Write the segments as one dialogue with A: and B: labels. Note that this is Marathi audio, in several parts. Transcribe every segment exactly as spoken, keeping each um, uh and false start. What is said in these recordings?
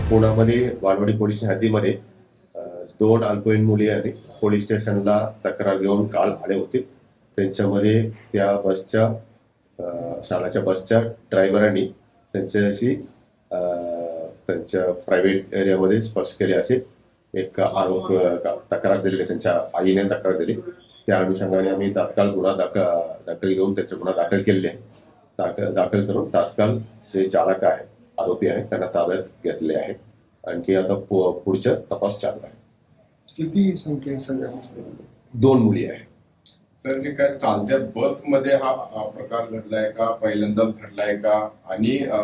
A: पुण्यामध्ये वालवाडी पोलीस हद्दीमध्ये अ, दोन अल्पवयीन मुली आणि पोलीस स्टेशनला तक्रार घेऊन काल आले होते. त्यांच्यामध्ये त्या बसच्या अ, शाळेच्या बसच्या ड्रायव्हरांनी त्यांच्याशी अ, त्यांच्या प्रायव्हेट एरियामध्ये स्पर्श केले असे एक आरोप अ, तक्रार दिली. त्यांच्या आईने तक्रार दिली. त्या अनुषंगाने आम्ही तात्काळ गुन्हा दाखल दाखल घेऊन त्याचा गुन्हा दाखल केलेले आहे. दाखल दाखल करून तात्काळ जे चालक आहे, आरोपी आहे, त्यांना ताब्यात घेतले आहे. आणखी आता पु- पुढचा तपास चालू आहे.
B: किती संख्या आहे सगळ्यांमध्ये?
A: दोन मुली आहे.
C: सर, हे काय चालत्या बस मध्ये हा अ, प्रकार घडलाय का, पहिल्यांदाच घडलाय का? आणि अ,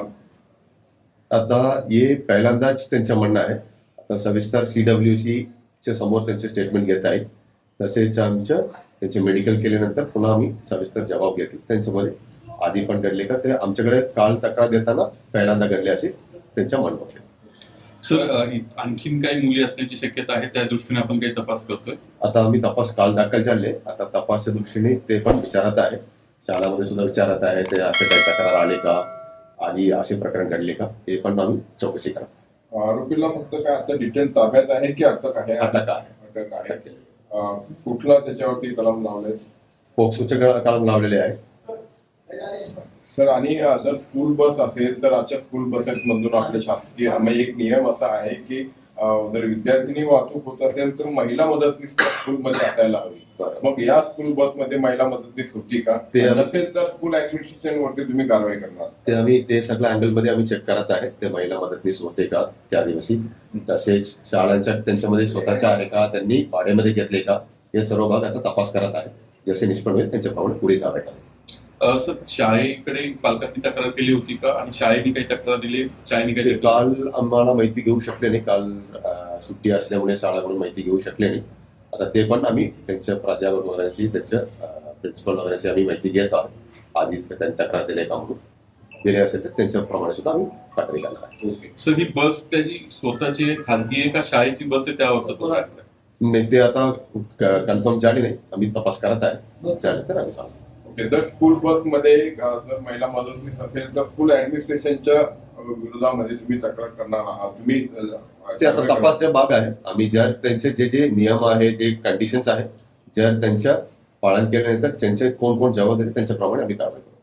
A: आता हे पहिल्यांदाच त्यांचं म्हणणं आहे. आता सविस्तर सीडब्ल्यूसी च्या समोर त्यांचे स्टेटमेंट घेत आहेत. तसेच आमच्या त्यांचे मेडिकल केल्यानंतर पुन्हा आम्ही सविस्तर जबाब घेतले. त्यांच्यामध्ये आधी पण घडले का ते आमच्याकडे काल तक्रार देताना पहिल्यांदा घडले असे त्यांच्या म्हणणं होते.
D: सर, अ, इत- आणखीन काही मुली असण्याची शक्यता आहे, त्या दृष्टीने आपण काही तपास करतोय.
A: आता आम्ही तपास काल दाखल झाले. आता तपासच्या दृष्टीने ते पण विचारत आहे. शाळामध्ये सुद्धा विचारत आहे ते असे काही तक्रार आले का आणि असे प्रकरण घडले का, हे पण आम्ही चौकशी करतो.
C: आरोपीला फक्त काय आता डिटेल ताब्यात आहे की अटक आहे?
A: अटक आहे.
C: अटक आहे. अ, कुठला त्याच्यावरती कलम लावलाय?
A: पोक्सोचे कलम लावलेले आहे.
C: सर, आणि अ, जर स्कूल बस असेल तर अशा स्कूल बसेसमधून आपले शासकीय म्हणजे एक नियम असा आहे की अ, जर विद्यार्थिनी वाहतूक होत असेल तर महिला मदतनीस स्कूलमध्ये असायला हवी. मग या स्कूल बसमध्ये महिला मदतनीस होती का?
A: ते आम्ही-
C: नसेल तर स्कूल ऍडमिनिस्ट्रेशन वरती तुम्ही कारवाई करणार?
A: ते आम्ही ते सगळ्या अँगलमध्ये आम्ही चेक करत आहे. ते महिला मदतनीस होते का त्या दिवशी, तसेच शाळांच्या त्यांच्यामध्ये स्वतःच्या आहे का, त्यांनी भाड्यामध्ये घेतले का, हे सर्व भाग आता तपास करत आहे. जसे निष्पन्न होईल त्यांच्याप्रमाणे पुढे कारवाई करेल.
D: अ, सर, शाळेकडे पालकांनी तक्रार केली होती का, आणि शाळेने काही तक्रार दिली, शाळेने काही
A: ते
D: तक्रार
A: काल आम्हाला माहिती घेऊ शकले नाही. काल अ, सुट्टी असल्यामुळे शाळाकडून माहिती घेऊ शकले नाही. आता ते पण आम्ही त्यांच्या प्राध्यापक वगैरेची, त्यांच्या प्रिन्सिपल वगैरेची आम्ही माहिती घेत आहोत. आधी त्यांनी तक्रार दिली का म्हणून दिले असेल तर त्यांच्याप्रमाणे सुद्धा आम्ही खात्री करणार आहे.
D: सर, ही बस त्याची स्वतःची आहे, खाजगी आहे का शाळेची बस आहे, त्यावर तो राहिला?
A: नाही, ते आता कन्फर्म झाले नाही. आम्ही तपास करत आहे. झाले तर आम्ही सांगतो.
C: ओके, जर स्कूल बस मध्ये अ, जर महिला मदतनीस असेल तर स्कूल ऍडमिनिस्ट्रेशनच्या अ, विरोधामध्ये तुम्ही तक्रार करणार आहात? तुम्ही अ,
A: ते आता तपासचा भाग आहे. आम्ही जर त्यांचे जे जे नियम आहे, जे कंडिशन्स आहे, जर त्यांच्या पालन केल्यानंतर त्यांचे कोण कोण जबाबदारी त्यांच्याप्रमाणे आम्ही कारवाई करू.